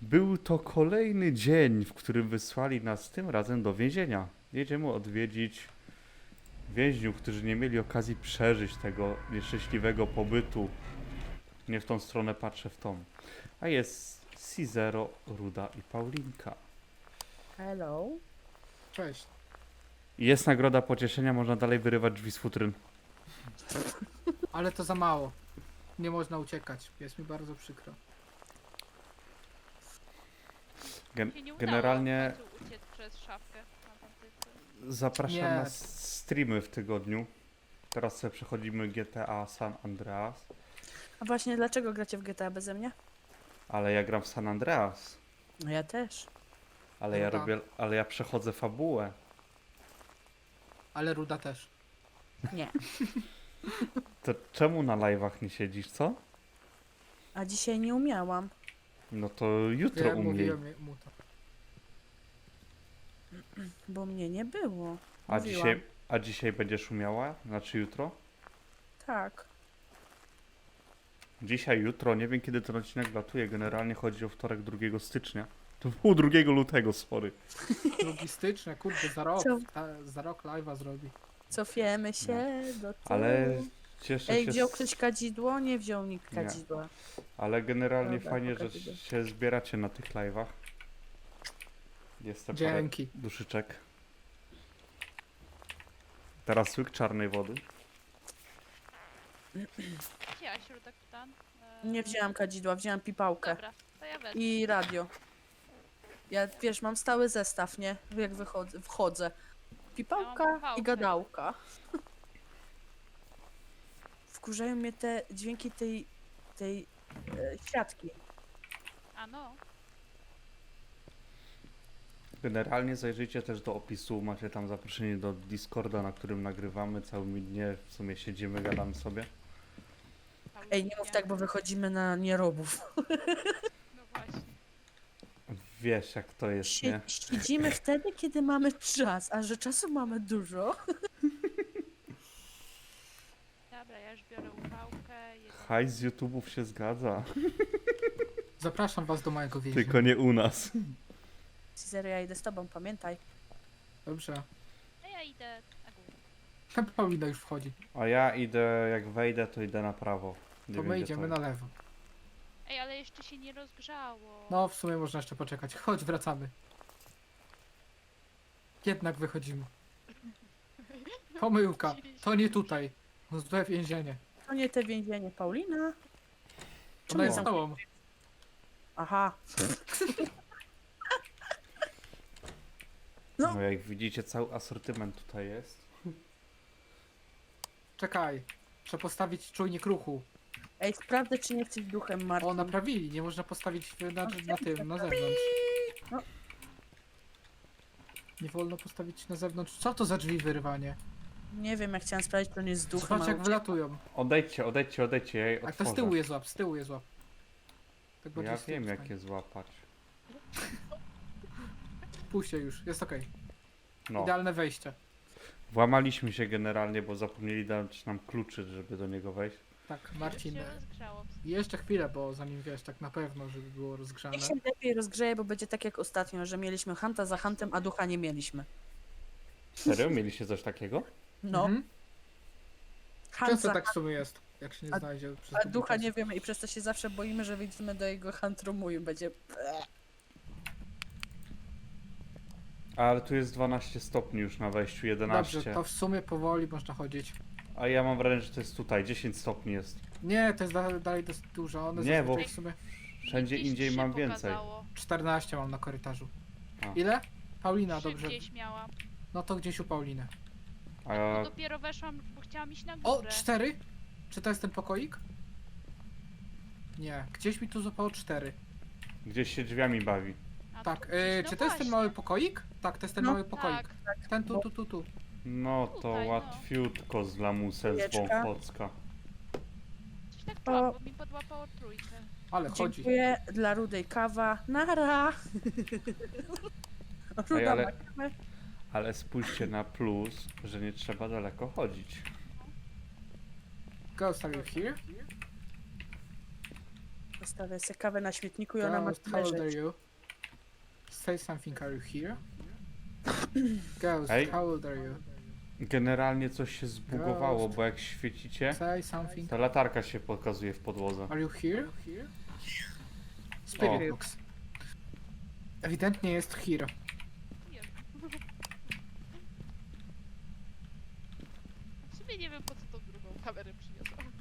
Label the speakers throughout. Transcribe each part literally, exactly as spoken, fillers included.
Speaker 1: Był to kolejny dzień, w którym wysłali nas tym razem do więzienia. Jedziemy odwiedzić więźniów, którzy nie mieli okazji przeżyć tego nieszczęśliwego pobytu. Nie w tą stronę patrzę, w tą. A jest Cizero, Ruda i Paulinka.
Speaker 2: Hello.
Speaker 3: Cześć.
Speaker 1: I jest nagroda pocieszenia, można dalej wyrywać drzwi z futryn.
Speaker 3: Ale to za mało. Nie można uciekać. Jest mi bardzo przykro.
Speaker 1: Gen
Speaker 4: Się nie udało
Speaker 1: generalnie
Speaker 4: w końcu uciec przez szafkę na tamtej.
Speaker 1: zapraszam
Speaker 3: Nie.
Speaker 1: na streamy w tygodniu. Teraz sobie przechodzimy G T A San Andreas.
Speaker 2: A właśnie dlaczego gracie w G T A beze mnie?
Speaker 1: Ale ja gram w San Andreas.
Speaker 2: No ja też.
Speaker 1: Ale ja
Speaker 3: Ruda.
Speaker 1: robię, ale ja przechodzę fabułę.
Speaker 3: Ale Ruda też.
Speaker 2: Nie.
Speaker 1: To czemu na live'ach nie siedzisz, co?
Speaker 2: A dzisiaj nie umiałam.
Speaker 1: No to jutro
Speaker 3: Ja
Speaker 1: u mnie.
Speaker 3: mówiłem mu to.
Speaker 2: Bo mnie nie było.
Speaker 1: A
Speaker 2: Mówiłam.
Speaker 1: dzisiaj, a dzisiaj będziesz umiała? Znaczy jutro?
Speaker 2: Tak.
Speaker 1: Dzisiaj, jutro, nie wiem kiedy ten odcinek latuje. Generalnie chodzi o wtorek drugiego stycznia. To było drugiego lutego, sorry.
Speaker 3: Logistyczne, kurde, za rok.
Speaker 2: Co?
Speaker 3: Ta, za rok live'a zrobi.
Speaker 2: Cofiemy się do tyłu.
Speaker 1: Ale cieszę
Speaker 2: Ej,
Speaker 1: się,
Speaker 2: wziął
Speaker 1: z-
Speaker 2: ktoś kadzidło? Nie wziął nikt
Speaker 1: Nie.
Speaker 2: kadzidła.
Speaker 1: ale generalnie
Speaker 2: Dobra,
Speaker 1: fajnie, że
Speaker 2: pokażę.
Speaker 1: się zbieracie na tych live'ach. Jest to parę
Speaker 3: Dzięki.
Speaker 1: duszyczek. Teraz łyk czarnej wody.
Speaker 4: Wzięłaś środek plan? E,
Speaker 2: Nie wzięłam kadzidła, wzięłam pipałkę.
Speaker 4: Dobra, to ja wezmę.
Speaker 2: I radio. Ja, wiesz, mam stały zestaw, nie? Jak wychodzę, wchodzę. Pipałka
Speaker 4: Ja mam pałkę.
Speaker 2: i gadałka. Wkurzają mnie te dźwięki tej, tej e, siatki.
Speaker 4: A no,
Speaker 1: Generalnie zajrzyjcie też do opisu, macie tam zaproszenie do Discorda, na którym nagrywamy całymi dnie, w sumie siedzimy, gadamy sobie.
Speaker 2: Ej, nie mów tak, bo wychodzimy na nierobów.
Speaker 4: No właśnie.
Speaker 1: Wiesz jak to jest,
Speaker 2: Sie-
Speaker 1: nie?
Speaker 2: Siedzimy wtedy, kiedy mamy czas, a że czasu mamy dużo.
Speaker 4: Dobra, ja już biorę upałkę. Jeden...
Speaker 1: Hajs z YouTube'ów się zgadza,
Speaker 3: Zapraszam was do mojego więzienia.
Speaker 1: tylko nie u nas.
Speaker 2: Cezary, ja idę z tobą, pamiętaj.
Speaker 3: Dobrze.
Speaker 4: A ja idę na górę.
Speaker 3: Paulina już wchodzi.
Speaker 1: A ja idę, jak wejdę, to idę na prawo. Nie
Speaker 3: To
Speaker 1: wiem,
Speaker 3: my
Speaker 1: gdzie
Speaker 3: idziemy
Speaker 1: to
Speaker 3: na lewo.
Speaker 4: Ej, ale jeszcze się nie rozgrzało.
Speaker 3: No, w sumie można jeszcze poczekać. Chodź, wracamy. Jednak wychodzimy. Pomyłka. To nie tutaj. Złe więzienie.
Speaker 2: To nie te więzienie, Paulina.
Speaker 3: Ona jest z
Speaker 2: tam-
Speaker 3: tobą.
Speaker 2: Aha.
Speaker 1: No. no jak widzicie, cały asortyment tutaj jest.
Speaker 3: Czekaj. Trzeba postawić czujnik ruchu.
Speaker 2: Ej, sprawdzę, czy nie jesteś duchem, Marcin.
Speaker 3: O, naprawili. Nie można postawić na, na tym, na zewnątrz.
Speaker 2: No.
Speaker 3: Nie wolno postawić na zewnątrz. Co to za drzwi wyrywanie?
Speaker 2: Nie wiem, jak chciałam sprawdzić, czy on jest duchem.
Speaker 3: Zobacz
Speaker 2: ale-
Speaker 3: jak wylatują.
Speaker 1: Odejdźcie, odejdźcie, odejdźcie, ja je
Speaker 3: A to z
Speaker 1: otworzę.
Speaker 3: tyłu je złap, z tyłu je złap. Tak
Speaker 1: Ja
Speaker 3: bardziej z tyłu
Speaker 1: wiem jak
Speaker 3: stań.
Speaker 1: je złapać.
Speaker 3: Puść się już, jest okej.
Speaker 1: No,
Speaker 3: Idealne wejście.
Speaker 1: włamaliśmy się generalnie, bo zapomnieli dać nam kluczy, żeby do niego wejść.
Speaker 3: Tak,
Speaker 4: Już
Speaker 3: Marcin.
Speaker 4: się rozgrzało.
Speaker 3: Jeszcze chwilę, bo zanim wiesz, tak na pewno, żeby było rozgrzane.
Speaker 2: Niech się lepiej rozgrzeje, bo będzie tak jak ostatnio, że mieliśmy Hanta za Hantem, a ducha nie mieliśmy.
Speaker 1: Serio? Mieliście coś takiego?
Speaker 2: No,
Speaker 3: Mhm.
Speaker 2: Hunt
Speaker 3: Często
Speaker 2: za
Speaker 3: tak w sumie jest, jak się nie
Speaker 2: A-
Speaker 3: znajdzie przez
Speaker 2: a
Speaker 3: długi
Speaker 2: ducha
Speaker 3: czas.
Speaker 2: nie wiemy i przez to się zawsze boimy, że wyjdziemy do jego Hunt-roomu i będzie...
Speaker 1: Ale tu jest dwanaście stopni już na wejściu, jedenaście.
Speaker 3: Dobrze, to w sumie powoli można chodzić.
Speaker 1: A ja mam wrażenie, że to jest tutaj, dziesięć stopni jest.
Speaker 3: Nie, to jest da dalej dosyć dużo. One
Speaker 1: Nie, bo-
Speaker 3: zazwyczaj w sumie
Speaker 1: Wszędzie
Speaker 4: Gdzieś
Speaker 1: indziej
Speaker 4: się
Speaker 1: mam więcej.
Speaker 4: pokazało.
Speaker 3: czternaście mam na korytarzu.
Speaker 1: A.
Speaker 3: Ile? Paulina,
Speaker 4: Trzy
Speaker 3: dobrze.
Speaker 4: gdzieś miałam.
Speaker 3: No to gdzieś u Pauliny.
Speaker 1: A
Speaker 4: No dopiero weszłam, bo chciałam iść na
Speaker 3: O,
Speaker 4: górę.
Speaker 3: cztery? Czy to jest ten pokoik? Nie, gdzieś mi tu zupało cztery.
Speaker 1: gdzieś się drzwiami bawi.
Speaker 4: A
Speaker 3: Tak,
Speaker 4: tu
Speaker 3: yy,
Speaker 4: gdzieś, no
Speaker 3: czy to jest ten
Speaker 4: właśnie.
Speaker 3: mały pokoik? Tak, to jest ten
Speaker 2: No,
Speaker 3: mały pokoik.
Speaker 4: Tak,
Speaker 3: Ten tu, tu, tu, tu.
Speaker 1: No to
Speaker 4: Tutaj, no.
Speaker 1: łatwiutko z lamusem z
Speaker 2: Chwileczka.
Speaker 1: Wąchocka.
Speaker 4: coś tak czułam, bo mi podłapało trójkę.
Speaker 3: Ale chodzi.
Speaker 2: Dziękuję dla Rudej kawa. Nara! Ruda
Speaker 1: Ej, ale-
Speaker 2: ma kawę.
Speaker 1: Ale spójrzcie na plus, że nie trzeba daleko chodzić.
Speaker 3: Ghost, are you here?
Speaker 2: Zostawię sobie kawę na śmietniku i ona ma
Speaker 3: Ghost, how old are
Speaker 2: leżeć.
Speaker 3: you? Say something, are you here? Ghost,
Speaker 1: Hej.
Speaker 3: how old are you?
Speaker 1: Generalnie coś się zbugowało,
Speaker 3: Ghost.
Speaker 1: bo jak świecicie,
Speaker 3: Say something.
Speaker 1: ta latarka się pokazuje w podłodze.
Speaker 3: Are you here? Spirit
Speaker 1: O.
Speaker 3: box. Ewidentnie jest here.
Speaker 4: Nie. W sumie nie wiem po co tą drugą kamerę przyniosłam.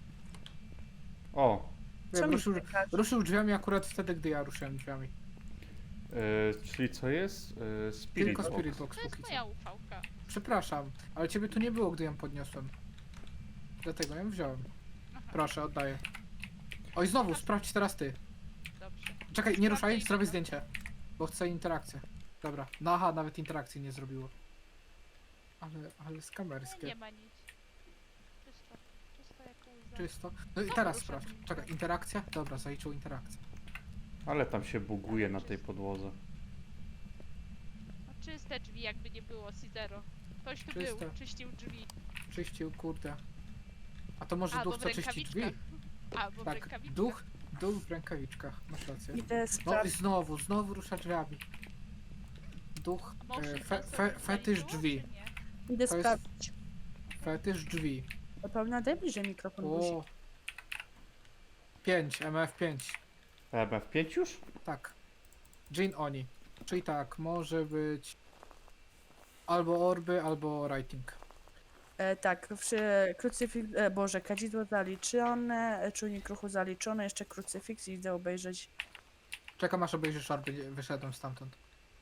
Speaker 1: O,
Speaker 2: Co
Speaker 3: Wiem,
Speaker 2: mi
Speaker 3: ruszył,
Speaker 2: czekasz?
Speaker 3: ruszył drzwiami akurat wtedy, gdy ja ruszyłem drzwiami.
Speaker 1: yy, czyli co jest? Yy, Spirit
Speaker 3: Tylko
Speaker 1: Box.
Speaker 3: Spirit Box
Speaker 4: To jest
Speaker 3: póki co.
Speaker 4: moja ufałka.
Speaker 3: Przepraszam, ale ciebie tu nie było, gdy ją podniosłem. Dlatego ją wziąłem.
Speaker 4: Aha,
Speaker 3: Proszę, oddaję. Oj, znowu, sprawdź teraz ty.
Speaker 4: dobrze.
Speaker 3: Czekaj, nie ruszaj,
Speaker 4: Sprawdzę
Speaker 3: zrobię
Speaker 4: i-
Speaker 3: zdjęcie. Bo chcę interakcję. Dobra. No aha, nawet interakcji nie zrobiło. Ale, ale
Speaker 4: Nie,
Speaker 3: skamerskie.
Speaker 4: nie ma nic. Czysto. Czysto jak łza.
Speaker 3: Czysto. No i
Speaker 4: No,
Speaker 3: teraz
Speaker 4: ruszę.
Speaker 3: sprawdź. Czekaj, interakcja? Dobra, zaliczył interakcję.
Speaker 1: Ale tam się buguje na tej podłodze.
Speaker 4: No, czyste drzwi jakby nie było, Cizero. Ktoś tu
Speaker 3: Czyste.
Speaker 4: był, czyścił drzwi.
Speaker 3: Czyścił, kurde. A to może
Speaker 4: Albo
Speaker 3: duch,
Speaker 4: w
Speaker 3: co czyści drzwi?
Speaker 4: rękawiczkach. Albo w
Speaker 3: Tak,
Speaker 4: rękawiczkach.
Speaker 3: duch, duch w rękawiczkach. Masz rację.
Speaker 2: Idę
Speaker 3: No i
Speaker 2: sprawdzić.
Speaker 3: znowu, znowu rusza drzwiami. Duch,
Speaker 4: A motion
Speaker 3: e, fe,
Speaker 4: sensor
Speaker 3: fe,
Speaker 4: już
Speaker 3: fetysz
Speaker 4: zaliczyło,
Speaker 3: drzwi.
Speaker 4: czy nie?
Speaker 2: Idę
Speaker 3: to jest-
Speaker 2: sprawdzić.
Speaker 3: Fetysz drzwi.
Speaker 2: To Paulina, daj bliżej mikrofon. guzik.
Speaker 3: O. pięć, M F pięć.
Speaker 1: M F pięć już?
Speaker 3: Tak. Jin Oni. Czyli tak, może być albo orby, albo writing.
Speaker 2: E, tak, przy krucyfiks, e, Boże, kadzidło zaliczone, e, czujnik ruchu zaliczony, jeszcze krucyfiks i idę obejrzeć.
Speaker 3: Czekam aż obejrzysz orby, nie- wyszedłem stamtąd.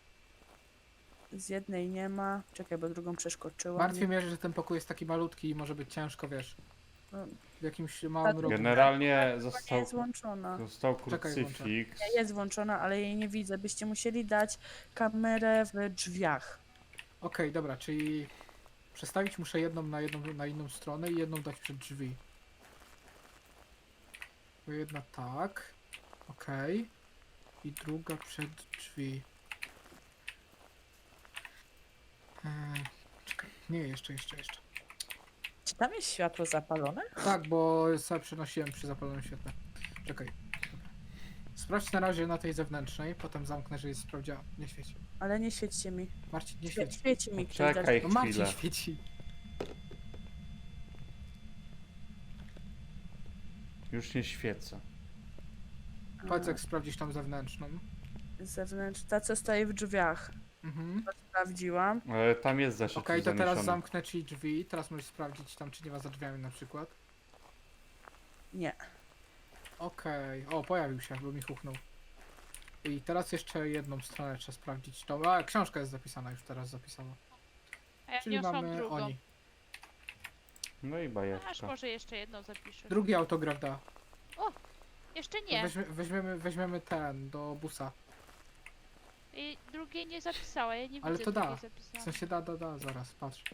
Speaker 2: Z jednej nie ma. Czekaj, bo drugą przeskoczyłam.
Speaker 3: Martwi mnie, że ten pokój jest taki malutki i może być ciężko, wiesz.
Speaker 2: No.
Speaker 3: W jakimś małym
Speaker 2: Tak.
Speaker 3: rogu.
Speaker 1: Generalnie
Speaker 2: Nie
Speaker 1: został,
Speaker 2: jest włączona.
Speaker 1: został
Speaker 3: Czekaj,
Speaker 1: krucyfiks.
Speaker 2: Nie jest włączona, ale jej nie widzę. Byście musieli dać kamerę w drzwiach.
Speaker 3: Okej, dobra, czyli przestawić muszę jedną na jedną na inną stronę i jedną dać przed drzwi. Bo jedna tak. Okej. I druga przed drzwi. Eee, czekaj, nie, jeszcze, jeszcze, jeszcze.
Speaker 2: Czy tam jest światło zapalone?
Speaker 3: Tak, bo sobie przenosiłem przy zapalonym świetle. Czekaj. Dobra. Sprawdź na razie na tej zewnętrznej, potem zamknę, że jest sprawdziła. Nie świeci.
Speaker 2: Ale nie świećcie mi.
Speaker 3: Marcin, nie
Speaker 2: Świe-
Speaker 3: świeci.
Speaker 2: świeci mi ktoś.
Speaker 1: Czekaj
Speaker 2: dalej.
Speaker 3: No Marcin
Speaker 1: chwilę.
Speaker 3: świeci.
Speaker 1: Już nie świecę.
Speaker 3: Patrz jak sprawdzić tą zewnętrzną.
Speaker 2: Zewnętrz, ta co stoi w drzwiach.
Speaker 3: Mhm.
Speaker 2: Sprawdziłam.
Speaker 1: Ale tam jest zeszyt
Speaker 3: Okej,
Speaker 1: już
Speaker 3: to teraz
Speaker 1: zaniesiony.
Speaker 3: zamknę ci drzwi. Teraz możesz sprawdzić tam, czy nie ma za drzwiami na przykład.
Speaker 2: Nie.
Speaker 3: Okej. O, pojawił się, bo mi huchnął. I teraz jeszcze jedną stronę trzeba sprawdzić. To, a, książka jest zapisana, już teraz zapisana.
Speaker 4: A ja
Speaker 3: Czyli
Speaker 4: niosłam
Speaker 3: mamy
Speaker 4: drugą.
Speaker 3: oni.
Speaker 1: No i
Speaker 4: Aż
Speaker 1: bajeczka.
Speaker 4: może jeszcze jedną zapiszę.
Speaker 3: Drugi autograf da.
Speaker 4: Jeszcze nie.
Speaker 3: Weźmie, weźmiemy, weźmiemy ten do busa.
Speaker 4: I drugiej nie zapisała, ja nie
Speaker 3: Ale
Speaker 4: widzę
Speaker 3: to da.
Speaker 4: drugiej
Speaker 3: W
Speaker 4: zapisanej.
Speaker 3: sensie da, da, da, zaraz, patrz.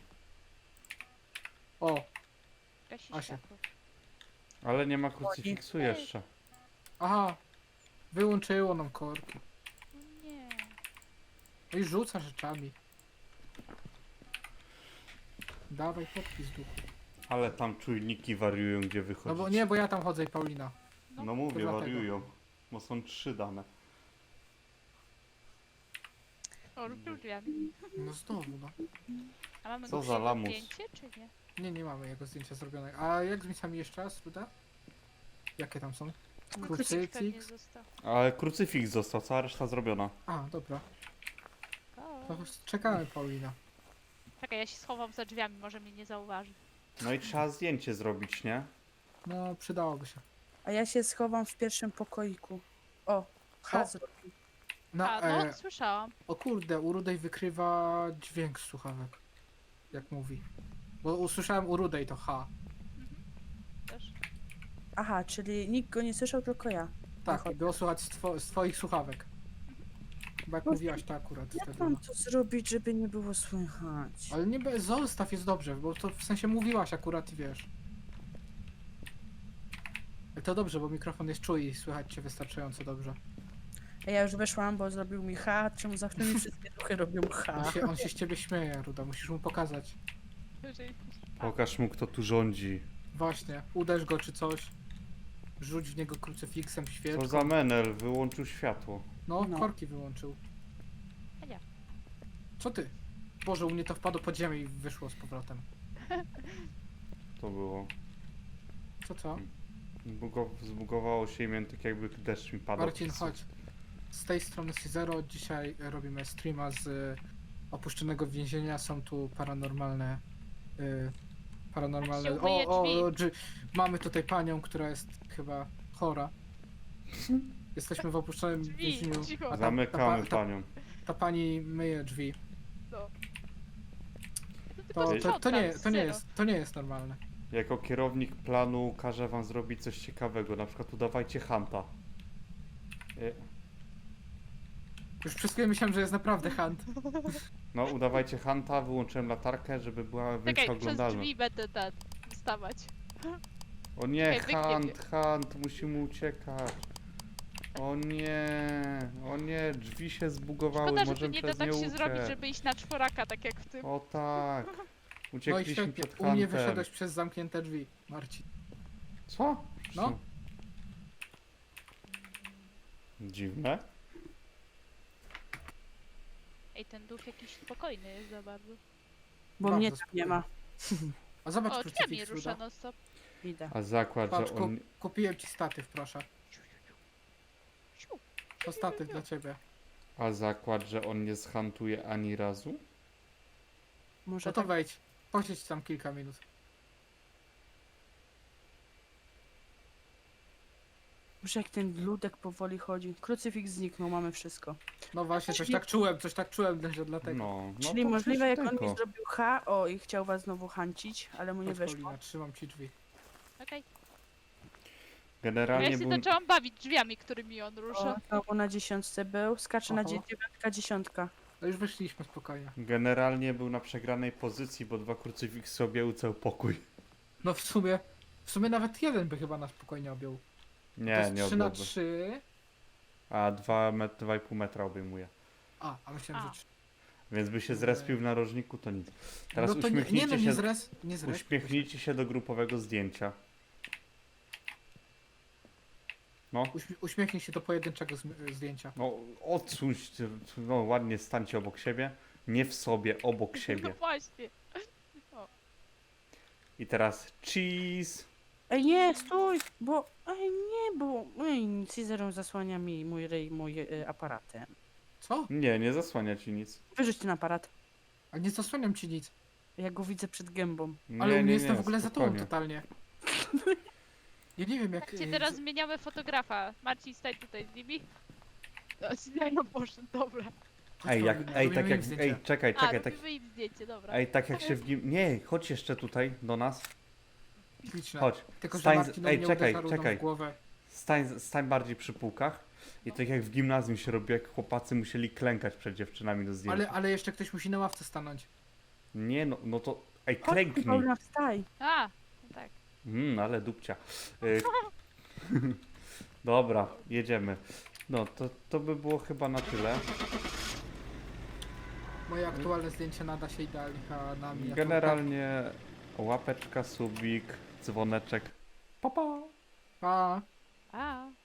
Speaker 3: O,
Speaker 4: Gasi
Speaker 3: Asia.
Speaker 4: światło.
Speaker 1: Ale nie ma krucyfiksu jeszcze.
Speaker 3: aha. Wyłączyło nam korki.
Speaker 4: No nie.
Speaker 3: No i rzuca rzeczami. Dawaj podpis duchu.
Speaker 1: Ale tam czujniki wariują, gdzie
Speaker 3: No
Speaker 1: wychodzić.
Speaker 3: bo nie, bo ja tam chodzę i Paulina.
Speaker 4: No,
Speaker 1: No mówię,
Speaker 3: dlatego.
Speaker 1: wariują. Bo są trzy dane.
Speaker 4: O, ruszył drzwiami.
Speaker 3: No znowu, no.
Speaker 4: A mamy
Speaker 1: Co
Speaker 4: go
Speaker 1: za lamus.
Speaker 4: zdjęcie, czy nie?
Speaker 3: Nie, nie mamy jego zdjęcia zrobionego. A jak z miejscami jeszcze raz, Ruda? Jakie tam są?
Speaker 4: Pewnie
Speaker 3: Krucyfiks?
Speaker 4: został.
Speaker 1: Ale krucyfiks został, cała reszta zrobiona.
Speaker 3: A, dobra.
Speaker 4: O.
Speaker 3: To czekamy, Paulina.
Speaker 4: Czekaj, ja się schowam za drzwiami, może mnie nie zauważy.
Speaker 1: No i trzeba zdjęcie zrobić, nie?
Speaker 3: No, przydałoby się.
Speaker 2: A ja się schowam w pierwszym pokoiku. O, ha
Speaker 3: O.
Speaker 2: zrobił.
Speaker 3: Na,
Speaker 4: A, no,
Speaker 3: e,
Speaker 4: słyszałam.
Speaker 3: o kurde, u Rudej wykrywa dźwięk z słuchawek. Jak mówi. Bo usłyszałem u Rudej to H.
Speaker 4: Też.
Speaker 2: Aha, czyli nikt go nie słyszał, tylko ja.
Speaker 3: Tak,
Speaker 2: Aha.
Speaker 3: i było słuchać z, two, z twoich słuchawek. Bo jak
Speaker 2: Boże,
Speaker 3: mówiłaś to akurat
Speaker 2: Jak
Speaker 3: wtedy.
Speaker 2: mam
Speaker 3: No.
Speaker 2: to zrobić, żeby nie było słychać?
Speaker 3: Ale nie be- zostaw jest dobrze, bo to w sensie mówiłaś akurat i wiesz. Ale to dobrze, bo mikrofon jest czuły i słychać cię wystarczająco dobrze.
Speaker 2: A ja już weszłam, bo zrobił mi ha, czemu zawsze mi wszystkie duchy robią ha.
Speaker 3: On się, on się z ciebie śmieje, Ruda, musisz mu pokazać.
Speaker 4: Jeżeli-
Speaker 1: Pokaż mu, kto tu rządzi.
Speaker 3: Właśnie, uderz go czy coś. rzuć w niego krucyfiksem,
Speaker 1: Co
Speaker 3: świeczką.
Speaker 1: za menel, wyłączył światło.
Speaker 3: No,
Speaker 2: No.
Speaker 3: korki wyłączył.
Speaker 4: A nie.
Speaker 3: Co ty? Boże, u mnie to wpadło pod ziemię i wyszło z powrotem.
Speaker 1: To było.
Speaker 3: Co, co?
Speaker 1: Zbugo, zbugowało się i miałem tak jakby deszcz mi padał.
Speaker 3: Marcin,
Speaker 1: przez-
Speaker 3: chodź. Z tej strony Cizero. Dzisiaj robimy streama z y, opuszczonego więzienia. Są tu paranormalne... Y, paranormalne...
Speaker 4: Jak się umyje
Speaker 3: O, o,
Speaker 4: drzwi.
Speaker 3: o, drzwi. Mamy tutaj panią, która jest chyba chora. Jesteśmy w opuszczonym
Speaker 4: Drzwi,
Speaker 3: więzieniu.
Speaker 4: cicho.
Speaker 3: a ta-
Speaker 1: Zamykamy
Speaker 3: ta, ta,
Speaker 1: panią.
Speaker 3: ta pani myje drzwi.
Speaker 4: No. To
Speaker 3: To,
Speaker 4: tylko
Speaker 3: to, to, nie,
Speaker 4: sprzątam,
Speaker 3: to, nie
Speaker 4: zero.
Speaker 3: jest, to nie jest normalne.
Speaker 1: Jako kierownik planu każę wam zrobić coś ciekawego, na przykład udawajcie Hanta. Y,
Speaker 3: Już przez chwilę myślałem, że jest naprawdę hunt.
Speaker 1: No, udawajcie Hanta, wyłączyłem latarkę, żeby była większa
Speaker 4: Czekaj, przez
Speaker 1: oglądalność.
Speaker 4: drzwi będę ten wstawać.
Speaker 1: O nie,
Speaker 4: Czekaj, wyknie
Speaker 1: Hunt, Hunt, musimy uciekać. O nie, o nie, drzwi się zbugowały,
Speaker 4: Szkoda, że to
Speaker 1: możemy
Speaker 4: nie da
Speaker 1: przez
Speaker 4: tak
Speaker 1: nie
Speaker 4: się
Speaker 1: uciec.
Speaker 4: zrobić, żeby iść na czworaka, tak jak w tym.
Speaker 1: O tak,
Speaker 3: No i
Speaker 1: uciekliśmy
Speaker 3: świetnie.
Speaker 1: przed
Speaker 3: U mnie
Speaker 1: Huntem.
Speaker 3: wyszedłeś przez zamknięte drzwi, Marcin.
Speaker 1: Co?
Speaker 3: No.
Speaker 1: Dziwne.
Speaker 4: Ej, ten duch jakiś spokojny jest za bardzo.
Speaker 2: Bo
Speaker 3: Bardzo
Speaker 2: mnie tam nie ma.
Speaker 3: A zobacz
Speaker 4: O, drzwiami
Speaker 3: krucyfiks,
Speaker 4: rusza
Speaker 3: Ruda.
Speaker 4: non stop.
Speaker 2: Idę.
Speaker 1: A zakład,
Speaker 3: Patrz,
Speaker 1: że
Speaker 3: ku,
Speaker 1: on...
Speaker 3: kupiłem ci statyw, proszę.
Speaker 4: Siu.
Speaker 3: To statyw dla ciebie.
Speaker 1: A zakład, że on nie zhantuje ani razu?
Speaker 2: Może
Speaker 3: No to
Speaker 2: tak.
Speaker 3: wejdź. Posiedź tam kilka minut.
Speaker 2: Może jak ten ludek powoli chodzi. Krucyfiks zniknął, mamy wszystko.
Speaker 3: No właśnie, coś
Speaker 2: Czyli-
Speaker 3: tak czułem, coś tak czułem, że dlatego.
Speaker 1: No, no
Speaker 2: Czyli
Speaker 1: to
Speaker 2: możliwe, jak
Speaker 1: przecież
Speaker 2: on mi
Speaker 1: tylko.
Speaker 2: zrobił H, o i chciał was znowu hancić, ale mu nie
Speaker 3: Chodź,
Speaker 2: weszło.
Speaker 3: Paulina, trzymam ci drzwi.
Speaker 4: Okej. Ja
Speaker 1: Generalnie
Speaker 4: się
Speaker 1: był...
Speaker 4: zaczęłam bawić drzwiami, którymi on
Speaker 2: O,
Speaker 4: rusza.
Speaker 2: znowu na dziesiątce był. Skacze na
Speaker 3: Oho.
Speaker 2: dzie- dziewiątka, dziesiątka.
Speaker 3: No już wyszliśmy spokojnie.
Speaker 1: Generalnie był na przegranej pozycji, bo dwa krucyfiksy objęły cały pokój.
Speaker 3: No w sumie, w sumie nawet jeden by chyba nas spokojnie objął. to
Speaker 1: Nie,
Speaker 3: jest
Speaker 1: nie
Speaker 3: trzy na
Speaker 1: objęły.
Speaker 3: trzy.
Speaker 1: A dwa met, dwa i pół metra obejmuje.
Speaker 3: A, a myślałem,
Speaker 4: A.
Speaker 3: że trzy.
Speaker 1: Więc by się zrespił w narożniku, to nic. Teraz
Speaker 3: No to nie, nie
Speaker 1: uśmiechnijcie
Speaker 3: no, nie
Speaker 1: się,
Speaker 3: zres, nie zres.
Speaker 1: uśmiechnijcie się do grupowego zdjęcia. No,
Speaker 3: Uśmie- Uśmiechnij się do pojedynczego zm- zdjęcia.
Speaker 1: no odsuń się, no ładnie stańcie obok siebie. Nie w sobie, obok
Speaker 4: No
Speaker 1: siebie.
Speaker 4: właśnie.
Speaker 1: I teraz cheese.
Speaker 2: Ej, nie, stój! Bo, ej, nie, bo, ej, Caesarą zasłania mi mój ryj, mój y, aparatem.
Speaker 3: Co?
Speaker 1: Nie, nie zasłania ci nic.
Speaker 2: Wyrzuć ten aparat.
Speaker 3: A nie zasłaniam ci nic.
Speaker 2: Ja go widzę przed gębą.
Speaker 1: Nie,
Speaker 3: Ale u mnie
Speaker 1: nie,
Speaker 3: jestem
Speaker 1: nie,
Speaker 3: w ogóle za tobą
Speaker 1: spokojnie.
Speaker 3: totalnie. Ja nie wiem jak...
Speaker 4: Patrzcie,
Speaker 3: e,
Speaker 4: teraz
Speaker 3: z-
Speaker 4: zmieniamy fotografa. Marcin, stań tutaj z nimi. O, Sinajo poszedł, dobra.
Speaker 3: chodź,
Speaker 1: Ej, jak,
Speaker 3: Paulina,
Speaker 1: ej,
Speaker 3: robimy
Speaker 1: tak
Speaker 3: im
Speaker 1: jak,
Speaker 3: zdjęcie.
Speaker 1: ej, czekaj,
Speaker 4: A,
Speaker 1: czekaj, tak,
Speaker 4: robimy im zdjęcie, dobra.
Speaker 1: ej, tak jak się w gim... Nie, chodź jeszcze tutaj, do nas.
Speaker 3: Śliczne.
Speaker 1: Chodź,
Speaker 3: Tylko, że
Speaker 1: stań z-
Speaker 3: Marcin
Speaker 1: ej,
Speaker 3: mnie
Speaker 1: czekaj,
Speaker 3: uderza rudą
Speaker 1: czekaj.
Speaker 3: w głowę.
Speaker 1: Stań, stań bardziej przy półkach. I tak jak w gimnazjum się robi, jak chłopacy musieli klękać przed dziewczynami do zdjęcia.
Speaker 3: Ale, ale jeszcze ktoś musi na ławce stanąć.
Speaker 1: Nie no, no to... Ej,
Speaker 2: Chodź,
Speaker 1: klęknij.
Speaker 2: Paulina, wstaj.
Speaker 4: A, no tak.
Speaker 1: Mmm, ale dupcia. Y... Dobra, jedziemy. No, to, to by było chyba na tyle.
Speaker 3: Moje aktualne zdjęcie nada się idealnie a na mnie.
Speaker 1: Generalnie łapeczka, subik, dzwoneczek. Pa, pa.
Speaker 3: Pa.
Speaker 4: A.